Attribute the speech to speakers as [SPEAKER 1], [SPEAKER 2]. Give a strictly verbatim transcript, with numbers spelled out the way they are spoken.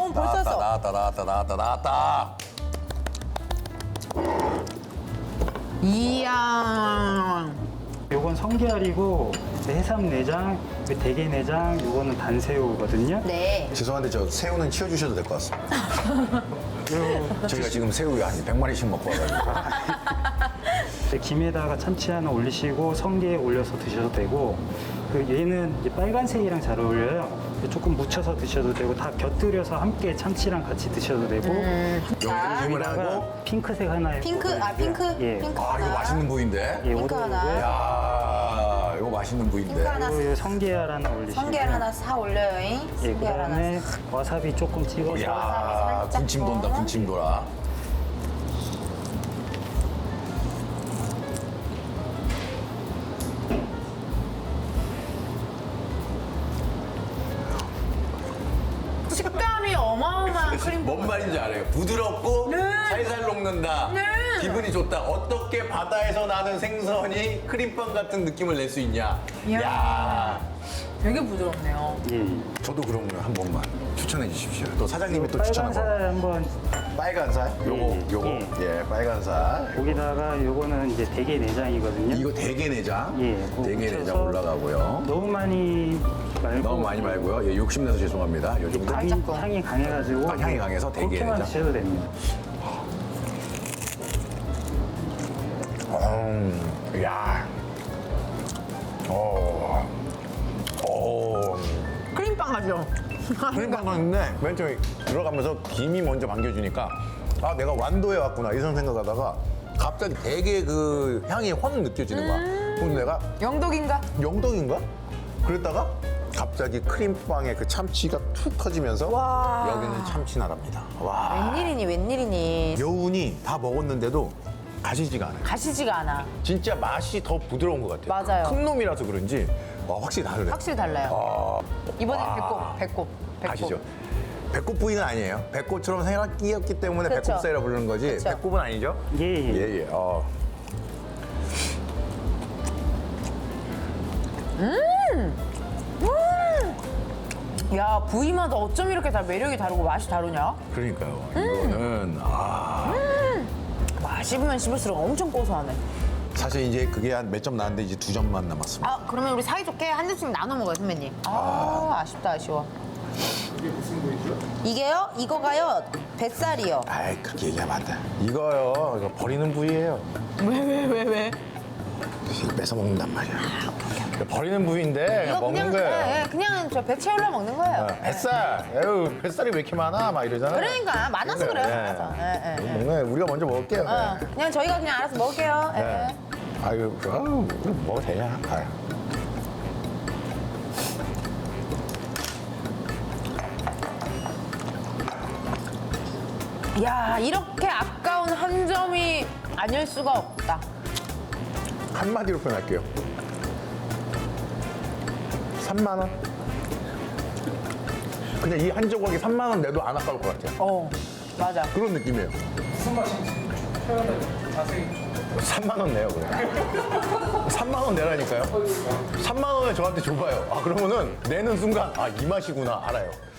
[SPEAKER 1] 어, 벌써
[SPEAKER 2] 나왔다,
[SPEAKER 1] 써.
[SPEAKER 2] 나왔다, 나왔다, 나왔다, 나왔다.
[SPEAKER 1] 이야.
[SPEAKER 3] 요건 성게알이고 해삼 내장, 그 대게 내장, 요거는 단새우거든요.
[SPEAKER 1] 네.
[SPEAKER 2] 죄송한데 저 새우는 치워주셔도 될 것 같습니다. 저희가 지금 새우 한 백 마리씩 먹고 와가지고.
[SPEAKER 3] 네, 김에다가 참치 하나 올리시고 성게 올려서 드셔도 되고, 그 얘는 이제 빨간색이랑 잘 어울려요. 조금 묻혀서 드셔도 되고, 다 곁들여서 함께 참치랑 같이 드셔도 되고.
[SPEAKER 2] 용심을
[SPEAKER 3] 여기다가
[SPEAKER 2] 하고.
[SPEAKER 3] 핑크색 하나.
[SPEAKER 1] 핑크, 아, 핑크?
[SPEAKER 3] 예.
[SPEAKER 1] 핑크
[SPEAKER 2] 아, 이거
[SPEAKER 1] 하나.
[SPEAKER 2] 맛있는 부위인데?
[SPEAKER 3] 예,
[SPEAKER 1] 핑크 하나.
[SPEAKER 3] 오도고고요.
[SPEAKER 2] 야, 이거 맛있는 부위인데.
[SPEAKER 1] 핑크 하나.
[SPEAKER 3] 그리고 요 성게알 하나 올리시고.
[SPEAKER 1] 성게알 하나 사 올려요잉.
[SPEAKER 3] 예,
[SPEAKER 1] 성게알 하나.
[SPEAKER 3] 그다음에 와사비 조금 찍어서.
[SPEAKER 2] 야,
[SPEAKER 1] 살짝
[SPEAKER 2] 군침 돈다,
[SPEAKER 1] 더.
[SPEAKER 2] 군침 돌아.
[SPEAKER 1] 식감이 어마어마한 크림.
[SPEAKER 2] 뭔 말인지 알아요. 부드럽고
[SPEAKER 1] 네.
[SPEAKER 2] 살살 녹는다.
[SPEAKER 1] 네.
[SPEAKER 2] 기분이 좋다. 어떻게 바다에서 나는 생선이 크림빵 같은 느낌을 낼 수 있냐.
[SPEAKER 1] 이야.
[SPEAKER 2] 야,
[SPEAKER 1] 되게 부드럽네요.
[SPEAKER 3] 예.
[SPEAKER 2] 저도 그런 거 한 번만 추천해 주십시오. 또 사장님이 또 추천한 거.
[SPEAKER 3] 빨간살 한번.
[SPEAKER 2] 빨간 살? 요거,
[SPEAKER 3] 예,
[SPEAKER 2] 요거.
[SPEAKER 3] 예.
[SPEAKER 2] 예, 빨간 살.
[SPEAKER 3] 거기다가 요거는 이제 대게 내장이거든요.
[SPEAKER 2] 이거 대게 내장.
[SPEAKER 3] 예, 그거
[SPEAKER 2] 대게
[SPEAKER 3] 묻혀서
[SPEAKER 2] 내장 올라가고요.
[SPEAKER 3] 너무 많이 말고.
[SPEAKER 2] 너무 많이 말고요. 예, 욕심내서 죄송합니다. 요 정도.
[SPEAKER 3] 향이,
[SPEAKER 1] 살짝 더.
[SPEAKER 3] 향이 강해가지고.
[SPEAKER 2] 아, 향이 강해서 대게
[SPEAKER 3] 그렇게만
[SPEAKER 2] 내장?
[SPEAKER 3] 드셔도 됩니다.
[SPEAKER 2] 음, 야. 오. 오.
[SPEAKER 1] 크림빵 하죠?
[SPEAKER 2] 크림빵도 있는데 맨 처음에 들어가면서 김이 먼저 반겨주니까 아 내가 완도에 왔구나 이런 생각하다가 갑자기 되게 그 향이 확 느껴지는 거야. 그럼 내가
[SPEAKER 1] 영덕인가?
[SPEAKER 2] 영덕인가? 그랬다가 갑자기 크림빵에 그 참치가 툭 터지면서
[SPEAKER 1] 와.
[SPEAKER 2] 여기는 참치 나라입니다. 와.
[SPEAKER 1] 웬일이니 웬일이니.
[SPEAKER 2] 여운이 다 먹었는데도 가시지가 않아요.
[SPEAKER 1] 가시지가 않아.
[SPEAKER 2] 진짜 맛이 더 부드러운 것 같아요.
[SPEAKER 1] 맞아요.
[SPEAKER 2] 큰 놈이라서 그런지 와, 확실히 다르네.
[SPEAKER 1] 확실히 달라요. 이번엔
[SPEAKER 2] 와.
[SPEAKER 1] 배꼽, 배꼽, 배꼽.
[SPEAKER 2] 아시죠? 배꼽 부위는 아니에요. 배꼽처럼 생각이었기 때문에
[SPEAKER 1] 그쵸.
[SPEAKER 2] 배꼽살이라 부르는 거지.
[SPEAKER 1] 그쵸.
[SPEAKER 2] 배꼽은 아니죠?
[SPEAKER 3] 예, 예.
[SPEAKER 2] 예, 예. 어.
[SPEAKER 1] 야, 부위마다 어쩜 이렇게 다 매력이 다르고 맛이 다르냐?
[SPEAKER 2] 그러니까요.
[SPEAKER 1] 음.
[SPEAKER 2] 이거는 아
[SPEAKER 1] 와, 씹으면 씹을수록 엄청 고소하네.
[SPEAKER 2] 사실 이제 그게 한 몇 점 나왔는데 이제 두 점만 남았습니다.
[SPEAKER 1] 아, 그러면 우리 사이좋게 한 접씩 나눠 먹어요, 선배님. 아, 아쉽다, 아쉬워.
[SPEAKER 3] 이게 무슨 부위죠?
[SPEAKER 1] 이게요? 이거가요? 뱃살이요.
[SPEAKER 2] 아이 그렇게 얘기하면 안 돼. 이거요. 이거 버리는 부위예요.
[SPEAKER 1] 왜, 왜, 왜, 왜?
[SPEAKER 2] 이거 뺏어 먹는단 말이야. 이거 버리는 부위인데 그냥
[SPEAKER 1] 이거
[SPEAKER 2] 먹는
[SPEAKER 1] 그냥,
[SPEAKER 2] 거예요.
[SPEAKER 1] 예, 예, 그냥 저 배 채우려 먹는 거예요.
[SPEAKER 2] 어, 뱃살. 에휴, 뱃살이 왜 이렇게 많아? 막 이러잖아요.
[SPEAKER 1] 그러니까, 많아서 그래요,
[SPEAKER 2] 예.
[SPEAKER 1] 많아서. 예, 예, 예.
[SPEAKER 2] 먹는 거예요. 우리가 먼저 먹을게요.
[SPEAKER 1] 어,
[SPEAKER 2] 네.
[SPEAKER 1] 그냥 저희가 그냥 알아서 먹을게요. 예.
[SPEAKER 2] 네. 아유, 아유, 먹어도 되냐? 아유.
[SPEAKER 1] 야, 이렇게 아까운 한 점이 아닐 수가 없다.
[SPEAKER 2] 한마디로 표현할게요. 삼만 원? 그냥 이 한 조각에 삼만 원 내도 안 아까울 것 같아요.
[SPEAKER 1] 어, 맞아.
[SPEAKER 2] 그런 느낌이에요.
[SPEAKER 3] 무슨 맛인지 표현을 자세히.
[SPEAKER 2] 삼만 원 내요, 그래. 삼만 원 내라니까요. 삼만 원을 저한테 줘봐요. 아, 그러면은 내는 순간, 아, 이 맛이구나, 알아요.